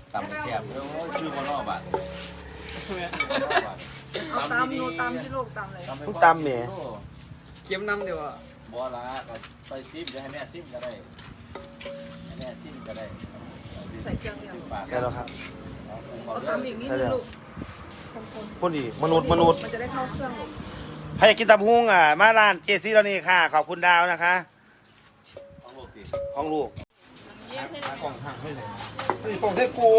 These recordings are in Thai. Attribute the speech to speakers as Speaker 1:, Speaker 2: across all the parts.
Speaker 1: ตำแซ่บแล้วชื่อมันนอกบัตร
Speaker 2: เอาตำนูตำที่ลูกตำเลย
Speaker 3: ทุกตำเนี่ย
Speaker 4: เก็บน้ำเดี๋ยวอ่ะ
Speaker 1: บัวละไปซิมจะให้แม่ซิมก็ได้ให้แม่ซิมก็ได้
Speaker 2: ใส่เครื่องเดียว
Speaker 1: ปาก
Speaker 3: ได้แล้วครับ
Speaker 2: เอาตำอีกนิดนึงลูกคน
Speaker 3: พูดดีมนุษย์
Speaker 2: มันจะได้เข้าเครื่องลูก
Speaker 3: ใครอยากกินตำฮุ้งมาร้านเจซี่เรานี่ค่ะ ขอบคุณดาวนะคะ
Speaker 1: ของลูกสิ
Speaker 3: ห้องลูกกล่องหักไม่เลยนี่กล่องเทกู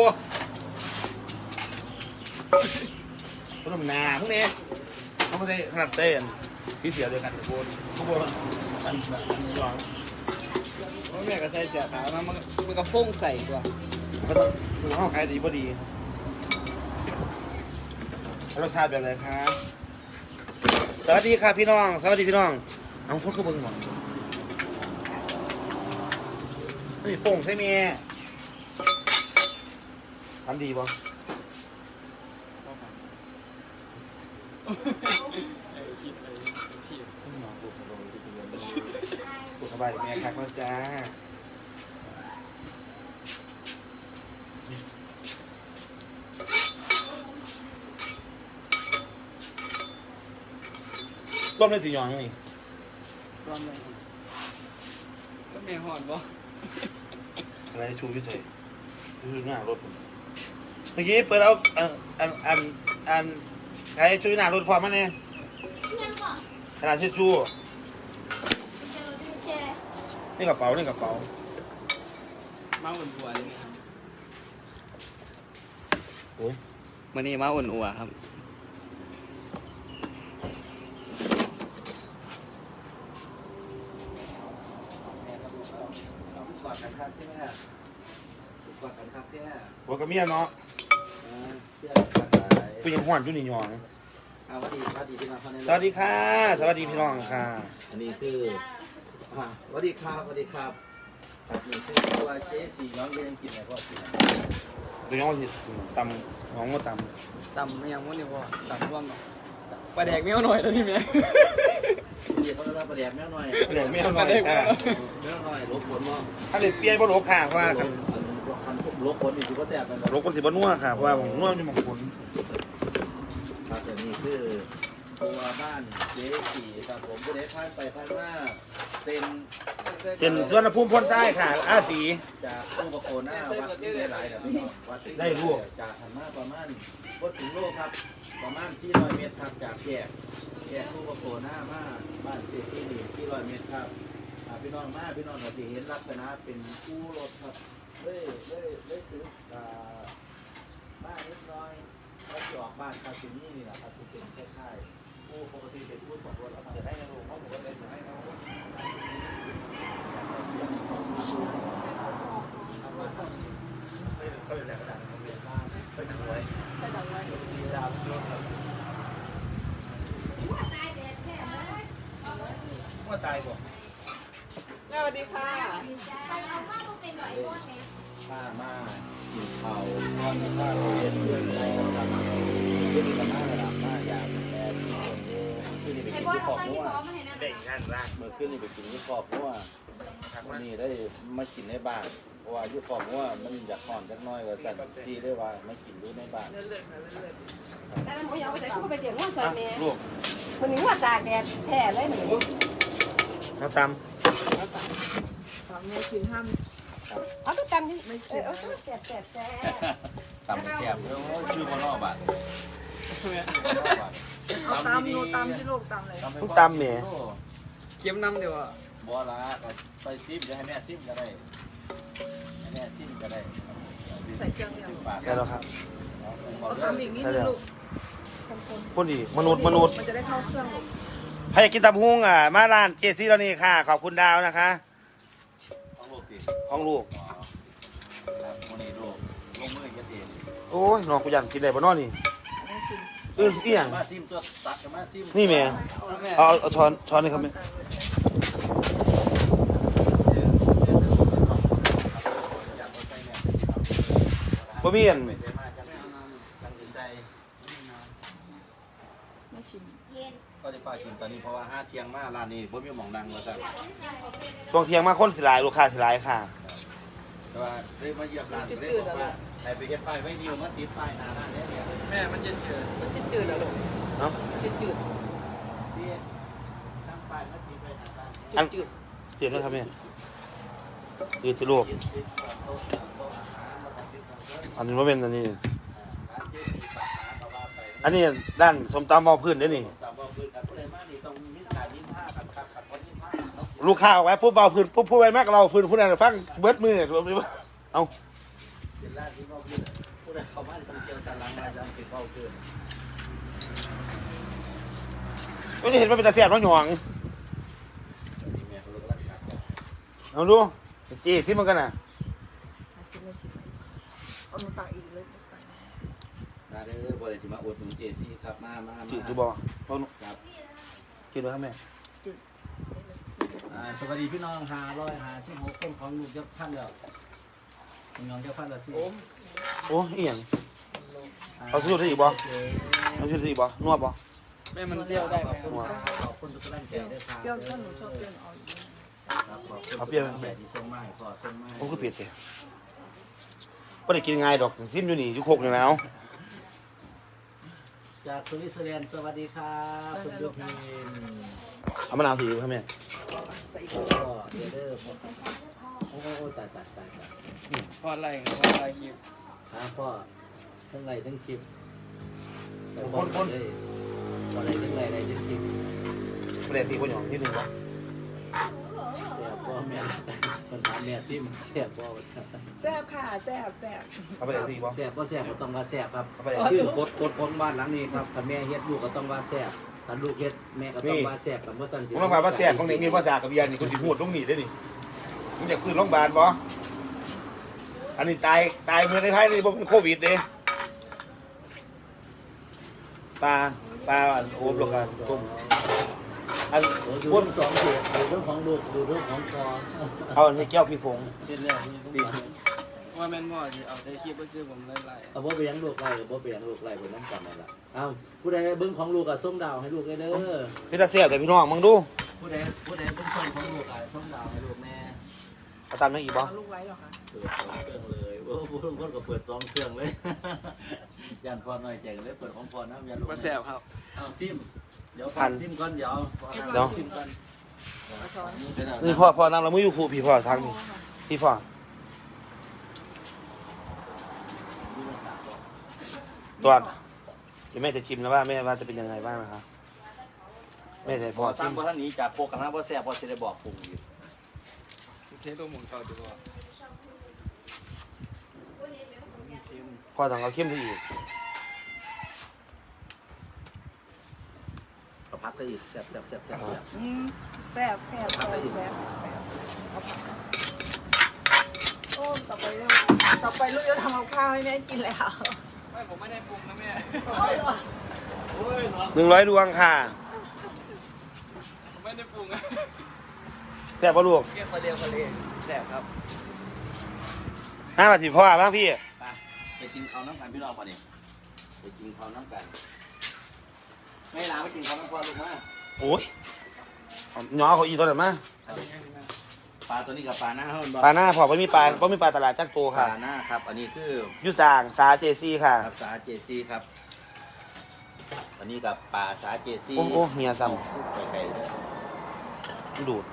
Speaker 3: ขนมนาพวกนี้เขาไม่ได้ขนาดเต้นที่เสียเดียวกันทุกคนมันร้อน
Speaker 4: แม่ก็ใส่เสื้อขาวมันก็ฟุ้งใส่กว่า
Speaker 3: ก็ต้องคือห้องขายดีพอดีรสชาติแบบไหนครับสวัสดีค่ะพี่น้องสวัสดีพี่น้องเอาคนเข้าเบิ้งหน่อยนี่ฟงใช่ไหมทำดีป่ะกูสบายแม่ครับจ้าต้มได้สีหยองนี่
Speaker 4: ร้อนเลยก็แม่หอนบ่
Speaker 3: อะไรชูพิเศษดูหน้ารถผมเมื่อกี้เปิดเอาใครชูหน้ารถพร้อมมาเนี่ยขนาดเช็ดชูนี่กระเป๋านี่กระเป๋า
Speaker 4: มาอุ่นอัวเลยครับ
Speaker 3: โอ้ย
Speaker 4: วันนี้มาอุ่นอัวครับ
Speaker 1: กอดกันครับที่แม่กอดกันครับที่แม่
Speaker 3: หัวกระเมียเนาะ
Speaker 1: เพื่อนกันหลาย
Speaker 3: ผู้หญิงห้วนอยู่นี่หยอง
Speaker 1: สวัสดีที่มาเข้าใน
Speaker 3: สวัสดีค่ะสวัสดีพี่น้องค่ะ
Speaker 1: อันนี้คือสวัสดีครับครับนี่คือตัวเจ๊สีน้องเรียนกินอะไรก็กิน
Speaker 3: ดูน้องที่ตำน้องก็ต
Speaker 4: ตำไม่ยังวันนี้พอตำร่วมเนาะปลาแดกไม่เอาหน่อยแล้วที่แม่
Speaker 1: เดี๋ยวเขาจะมาประเดี๋ยวแม่หน่อย
Speaker 3: ำเปลี่ยนไม่เอาหน่อยค่ะ
Speaker 1: แม่หน่อยลบผลมั้ง
Speaker 3: ถ้าเด็กเปียบ่ลบค่ะเพราะว่าคัน
Speaker 1: ลบผลอยู่ก็แสบมัน
Speaker 3: ลบคนสิบ่นัวค่ะเพราะว่าผมนัวอยู่บางคน
Speaker 1: ครับแต่นี่คือตัวบ้านเจ๊สีครับผมก็ได้ผ่านไปผ่านมาเซ็น
Speaker 3: เส้นส่วนภูมิพ้นทรายค่ะอาสี
Speaker 1: จากตู้ประโคนหน้าวัดที่ได้หลายแบบนี้วัดที่จากหันมาประมาณวัดถึงโลกครับประมาณ400 เมตรครับจากแยกตู้ประโคนหน้ามาบ้านเจ๊ที่นี่400 เมตรครับพี่น้องมาพี่น้องเราสิเห็นลักษณะเป็นคู่รถครับเลยถือบ้านนิดหน่อยแล้วจะออกบ้านคาสินี่แหละครับจะเป็นคล้ายๆคู่ปกติเป็นคู่2 รถแล้วจะได้ในโรงเพราะผมก็เลยจะให้เขาเขาอยู่ในกระดาษเรียนบ้านเป็นหนังไว้ดีดาวรถครับว่าตายบ่
Speaker 2: สวัสดีค่ะ
Speaker 1: ป้ามากินเผาตอนนี้ป้าเรียนเรื่องอะไรครับคือมีกระมาระดับมาอย่างแอบที่คนเดียวคือนี่ไปกินที่ขอบหัว
Speaker 3: เด็กงานร่าง
Speaker 1: เมื่อคืนนี่ไปกินที่ขอบหัววันนี้ได้มากินในบ้านเพราะว่าอยู่ขอบหัวมันอยากห่อนจักน้อยก็สั่นซีได้ว่ามากินอยู่ในบ้าน
Speaker 2: เลื่อนๆค่ะเลื่อน
Speaker 5: แต่ละหมูยอไปใส่เข้าไปเดี๋ยวว่าใส่
Speaker 3: อ่ะ
Speaker 5: แม่
Speaker 3: ลูก
Speaker 5: คนนี้ว่าตากแดดแท้เลยหนู
Speaker 3: น้ำต
Speaker 2: ๆตำแม่กินห้าม
Speaker 5: เอาตุ๊กตำนี่เอาตุ๊กแสบ
Speaker 1: ตำแซ่บแล้วชื่อมันนอกบ้าน
Speaker 2: เอาตำนูตำที่ลูกตำเลย
Speaker 3: ำทุกตำเนี่ย
Speaker 4: เก็บน้ำเดี๋ยวอ่ะ
Speaker 1: บัวละไปซิมจะให้แม่ซิมก็ได้ให้แม่ซิมก็ได้
Speaker 2: ใส่เครื่องเดียว
Speaker 1: ปาก
Speaker 3: ได้แล้วครับ
Speaker 2: เอาตำอีกนิดนึงลูกคน
Speaker 3: พูดดีมนุษย์
Speaker 2: มันจะได้เข้าเครื่องลูก
Speaker 3: ใครอยากกินตำฮุ้งมาร้านเจซี่เรานี่ค่ะ ขอบคุณดาวนะคะ
Speaker 1: ของลูกสิ
Speaker 3: ห้องลูก
Speaker 1: ครับวันนี้ลูกลงมือยัดเอง
Speaker 3: โอ้ยน้องกูอยากกินได้บ่นอนี่
Speaker 2: แม่ชิม
Speaker 3: เอียง
Speaker 1: มาซิมตัวตัดกับมาซิม
Speaker 3: นี่แม่
Speaker 4: แม่
Speaker 3: เอาช้อนนี่ครับแม่บ่มีอัน
Speaker 1: ไปเทมาจังตัดสินใจ
Speaker 2: แม่ชิม
Speaker 1: ก็จะฝากกินตอนนี้เพราะว่า5 เที่ยงมาร้านนี้บ่มีหม่องนั่งแล้วจ้ะ
Speaker 3: ช่วงเที่ยงมาคนสิหลายลูกค้าสิหลายค่ะ
Speaker 1: แต่ว่าได้มาเยี่ยมร้านได้บอกว่าใครไปเฮ็ดป้ายไว้นิวมาติดป้ายหน้าร้านเนี่ย
Speaker 4: แม่มันเย็นเจือ
Speaker 2: มันจืดๆเหรอลูก
Speaker 3: เนาะ
Speaker 2: จืด
Speaker 1: ที่ตั้งป้ายมาติดไว้หน้าร้านเนี่ย
Speaker 3: อัน
Speaker 2: จืด
Speaker 3: เจ็บแล้วครับแม่ยืดที่ลูก
Speaker 1: ติดโต๊ะอาหารแล้วก็ติดเครื่อง
Speaker 3: อันนี้ว่าเป็นอันนี้
Speaker 1: ร้านเจดีปัญหาก็ว่าไป
Speaker 3: อันนี้ด้านสมตำมอพื้นได้นี่
Speaker 1: ตามว่าพื้นกันผู้ใดมานี่ต้องมีการยิ้มผ้ากันครับกับคนยิ้มผ้าเนาะ
Speaker 3: ลูกค้าเอาไว้ปุ๊บเบาพื้นปุ๊บพูดไว้มากเราพื้นพูดอะไรฟังเบิดมือเอา
Speaker 1: เป็นร้านที่ว่าพื้นผู้ใดเข้ามาต้องเชียงสันหลังมาจะติดเป้าพื้น
Speaker 3: ไม่ได้เห็นว่าเป็นตาเสียบน้องหยอง
Speaker 1: นี่แม่เขาเลิกรักกัน
Speaker 3: เอาดูจีที่มันกันน่ะ
Speaker 2: ชิมเลยชิมเอาหนูตักอีกเลยตัก
Speaker 1: มาเด้อบริษัทมาอดหนุนเจซี่ครับมา
Speaker 3: จีดูบอเอาหนู
Speaker 1: ครับ
Speaker 3: กินด้วยครับแม่
Speaker 2: จืด
Speaker 6: สวัสดีพี่น้อง556คนของลูกเจ้าท่านแล้วคุณน้องเจ้าท่านแล้วสิ
Speaker 3: โอ้อีหยังเอาชุดได้อีกบอเอาชุดได้อีกบอนวดบอ
Speaker 4: แม่มันเปรี้ยวได้ไหม
Speaker 6: ขอบคุณทุกท่านใจด้วยครับ
Speaker 2: เปรี้ยวถ้าหนูชอบเปรี้ยวเอาอีก
Speaker 6: ครับขอบคุณแบบที่ส่งมาให้พ่อส่งมาให้
Speaker 3: โอ้ก็เปลี่ยนเสียไม่ได้กินง่ายดอกซิมอยู่นี่อยู่โคกอยู่แล้ว
Speaker 6: จากสวิตเซอร์แลนด์สวัสดีครับคุณยุพิน
Speaker 3: เอามะนาวถือครับแม่
Speaker 6: ก็เดี๋ยวเด้อโอ้ตาย
Speaker 4: พอดอะไรคลิป
Speaker 6: พ่อทั้งไรทั้งคลิปคนเลยอะไรทั้งไรอะไรทั้งคลิป
Speaker 3: ไม่ได้ตีคนหยองนิดนึงบอ
Speaker 6: เสียพ่อแม่คนถามแม่ซิมเสียพ่อ
Speaker 2: แซ่บค่ะแซ่บ
Speaker 3: เอาไปได้ตีบอ
Speaker 6: แซ่บก็แซ่บก็ต้องว่าแซ่บครับ
Speaker 3: เอาไป
Speaker 6: คือกดคนบ้านหลังนี้ครับถ้าแม่เฮ็ดลูกก็ต้องว่าแซ่บถ้าลูกเฮ็ดแม่ก็ต้องว่าแซ่บกับว่าจัน
Speaker 3: ผมต้องมาว่าแซ่บของนี่มีภาษากับเบียร์นี่คนที่พูดต้องหนีได้นี่มึงอยากขึ้นโรงพยาบาลบออันนี้ตายเมื่อในไทยนี่บ่เป็นโควิดเด้ปลาโอบลงกันต้มอัน
Speaker 6: ดู
Speaker 3: พูด
Speaker 6: เรื่องสองเสียดูเรื่องของลูกดูเรื่องของคอ
Speaker 3: เอาอันให้แก้วพี่ผง
Speaker 6: เฮ็ดแล้วนี่
Speaker 3: ดี
Speaker 4: ว่าแม่นบ่สิเอาได้คลิปก็ซื้อผมไล่
Speaker 6: เอาบ่ไปยังลูกไล่กับบ่ไปยังลูกไล่ไปน้ำกันนั่นล่ะเอ้าผู้ใดเบิ่งของลูกก็ส่งดาวให้ลูกได้เด้อ
Speaker 3: พี่ตาเสียบแต่พี่น้องมึงดู
Speaker 6: ผู้ใดเบิ่งส่งของลูกก็ส่งดาวให้ลูกแม่
Speaker 3: เอาตามนั้นอีกบอ
Speaker 2: เอาลูกไว้เหรอคะ
Speaker 6: เปิด2เครื่องเลยโอ้ผู้ทุกคนก็เปิด2เครื่องเลยยันพอน้อยใจกันเลยเปิดของพอน้ำยันลูก
Speaker 4: ๆว่าแซ่บครับ
Speaker 6: เอาซิมเดี๋ยวฟังซิมก่อนเดี๋ยวซิมก่อน
Speaker 2: เอาช้อน
Speaker 3: นี่พ่อนั่งเราไม่อยู่ครูพี่พ่อทางนี้พี่พ่อตัวเดี๋ยวแม่จะชิมนะว่าแม่ว่าจะเป็นยังไงบ้างนะครับแม่จะพ่อชิ
Speaker 1: ตั้ง
Speaker 3: ม
Speaker 1: บ่ท่านนี้จากโคกันนะบ่แซ่บบ่สิได้บอกปรุงอยู่
Speaker 4: เทตัวหมุนต่อดีกว่า
Speaker 3: พ่อต้องเอาเข้มไปอีก
Speaker 6: เอาพักก็อีกแซ่บ
Speaker 2: แซ่บเอาผักโอ้ต่อไปลูกจะทำกับข้าวให้แม่กินแล้ว
Speaker 4: ไม่ผมไม่ได้ปรุงนะแม่
Speaker 3: 100 ดวงค่ะ
Speaker 4: ผมไม่ได้ปรุงนะ
Speaker 3: แซ่บปะลูก
Speaker 4: เรียกเรียกแซ่บครับ
Speaker 3: 5 บาทพ่อบ้างพี่
Speaker 1: ไปกินข้าวน้ำกันพี่น้องป่ะนี่ไปกินข้าวน้ำกันไม่ลาไปกินข้าวน้ำปลาลูกมา
Speaker 3: โอ้ยน้องเขาอีตัวไหนมา
Speaker 1: ปลาตัวนี้กับปลาหน้าเฮาบ่
Speaker 3: ปลาหน้าพ่อไม่มีปลาตลาดจักโต
Speaker 1: ป
Speaker 3: ค่ะ
Speaker 1: ลาหน้าครับ อันนี้คือ
Speaker 3: ยุสางสาเจซี่ค่ะ
Speaker 1: ครับสาเจซี่ครับ อันนี้กับปลาสาเจซี่
Speaker 3: โอ้เมียซ้
Speaker 1: ไปไกลเลย
Speaker 3: ำดูด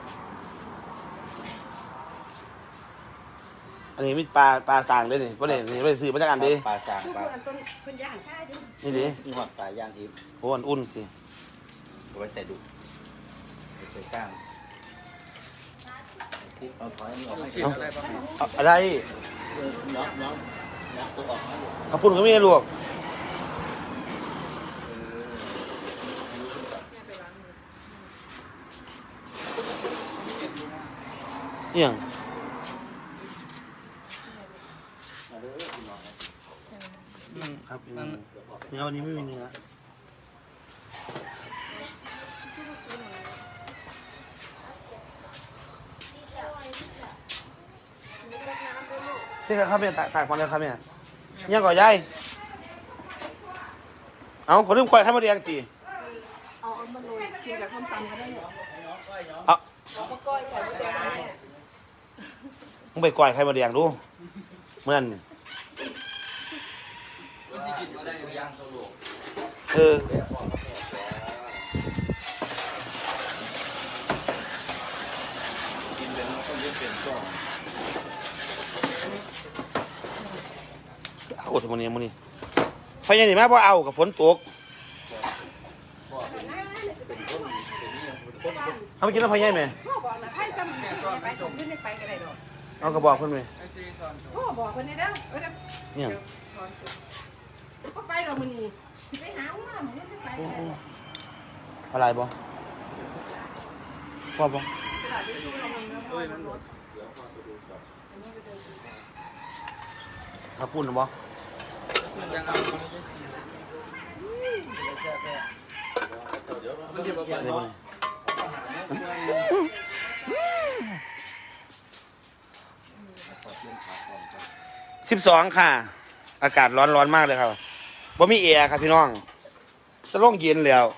Speaker 3: อันนี้มีปลาสางด้วยนี่ประเด็นนี่ไปซื้อมาจากอันดิ
Speaker 1: ปลาสาง
Speaker 5: คือ
Speaker 1: ปลา
Speaker 5: คนต้นคนย่างใช่ดิ
Speaker 3: นี่ดิ
Speaker 1: นี่หอดปลาย่างทิพย์
Speaker 3: โอ้อันอุ่นสิ
Speaker 1: เอาไว้ใส่ดุไปใส่ก้างเอาถอยนี่ออกให้
Speaker 4: ฉีดอะไรบ้าง
Speaker 3: เอาอะไร
Speaker 1: น้องตัวออกมาลูก
Speaker 3: กระปุ่นก็ไม่ได้ลวกเนี่ย
Speaker 1: มาเด้อพี่น้องครับ
Speaker 3: ครับเนื้อวันนี้ไม่มีเนื้อนี่ครับเนี่ยตากความแล้วครับเนี่ยยังก่อยายเอาขอลืมควายข้าวมาเรียงตี
Speaker 2: เอามาโรยกินกับข้าวตำก็ได้เหรอ
Speaker 3: เอา
Speaker 2: เอามาก้อยก่อนก็ได้
Speaker 3: มึงไปก่อยใครมาเรียงดู
Speaker 2: เ
Speaker 3: เมื่อน
Speaker 4: มันสิกินมาได้
Speaker 1: ย่างสโลก
Speaker 3: เออ
Speaker 1: แบบพ่อก็แซ่กินเป็นมันก็จะเป็นก้อน
Speaker 3: เอาทำไมเนี่ยมื้อนี้พยายามนี่มาบ่เอากับฝนตกเอาไปกินแล้วพยายามไหม
Speaker 5: พ่อบอกนะให้ซ้ำไปส่งขึ้นไปก็ได้ดอก
Speaker 3: เอากระบอกเพิ่นไหม
Speaker 4: ไอ้ซีซอน
Speaker 5: พ่อบอกคนนี้เด้อเด้อ
Speaker 3: เนี่ย
Speaker 5: ช้อนก็ไปดอกมื้อนี้ไปหาว่ามื้อนี้ไปก็ได้ดอก
Speaker 3: อะไรบ่ว่าบ่
Speaker 4: เฮ้ยมันหมด
Speaker 3: ถ้าปุ่นน่ะบ่
Speaker 4: ยังเอามันสิบ่
Speaker 3: ได้
Speaker 4: เปิด
Speaker 3: บ่12 ค่ะ อากาศร้อนมากเลยครับบ่มีแอร์ครับพี่น้องจะลงเย็นแล้ว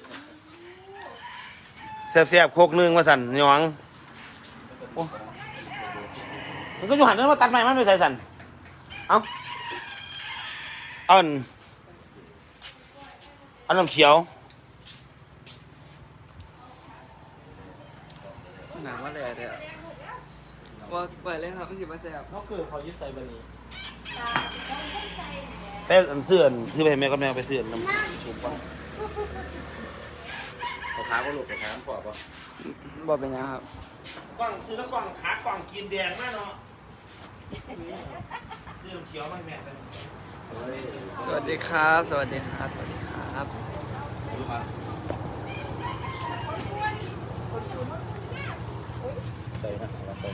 Speaker 3: แซ่บๆโคกนึงว่าสั่นหยองโอ้มันก็อยู่หันนั้นมาตัดใหม่มันไม่ใส่สั่นเอ้าอันน้ำเขียว
Speaker 4: หนังว่าแหล่เด้อว่าไปเลยครับมันสิมาแซ่บ
Speaker 6: เขาคือเขายึดใส่บันนี้
Speaker 3: ไปเสื้อซื้อไปให้แม่กับแม่ไปเสื้อน้ำถูกป่ะ
Speaker 1: ขาก็หลุดไปขาพ่อป่ะ
Speaker 4: บ่เป็นหยังครับ
Speaker 3: กล่องซื้อแล้วกล่องขากล่องกินแดงมากเนาะซื้อน้ำเขียวมาให้แม่กัน
Speaker 4: สวัสดีครับ สวัสดีครับ สวัสดีครับ
Speaker 1: ใส่นะเราใส่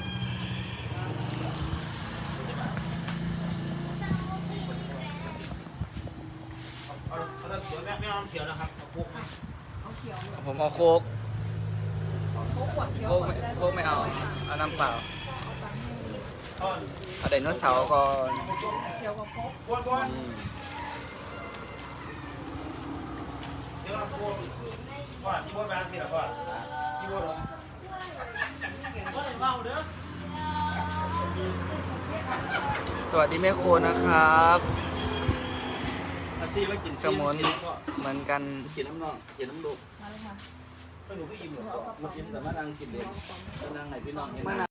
Speaker 3: เอาน้ำเขียวแม่ไม่เอาน้ำเขียวนะครับเอาพวกไหม
Speaker 4: ผมเอาโค้ก
Speaker 2: โค้กขวดเขียว
Speaker 4: โค้กไม่เอาเอาน้ำเปล่า
Speaker 3: ต้น
Speaker 4: เอาไดโนเสาร์ก่อน
Speaker 2: เขียวกับโค้ก
Speaker 3: บวนเดี๋ยวเราพวกว่าที่บวนมาสิล่ะพ่อที่บวนเหรอว่าไหนเมาเด้อ
Speaker 4: สวัสดีแม่โคนะครับ
Speaker 1: อาซีมากิน
Speaker 4: สมุนเหมือนกัน
Speaker 1: กินน้ำนองกินน้ำลูก
Speaker 2: มาเลยค่ะ
Speaker 3: ไม่หนูก็อิ่มหรอก
Speaker 1: มากินแต่มานั่งกินเด็กมานั่งไหนพี่น้องเห็น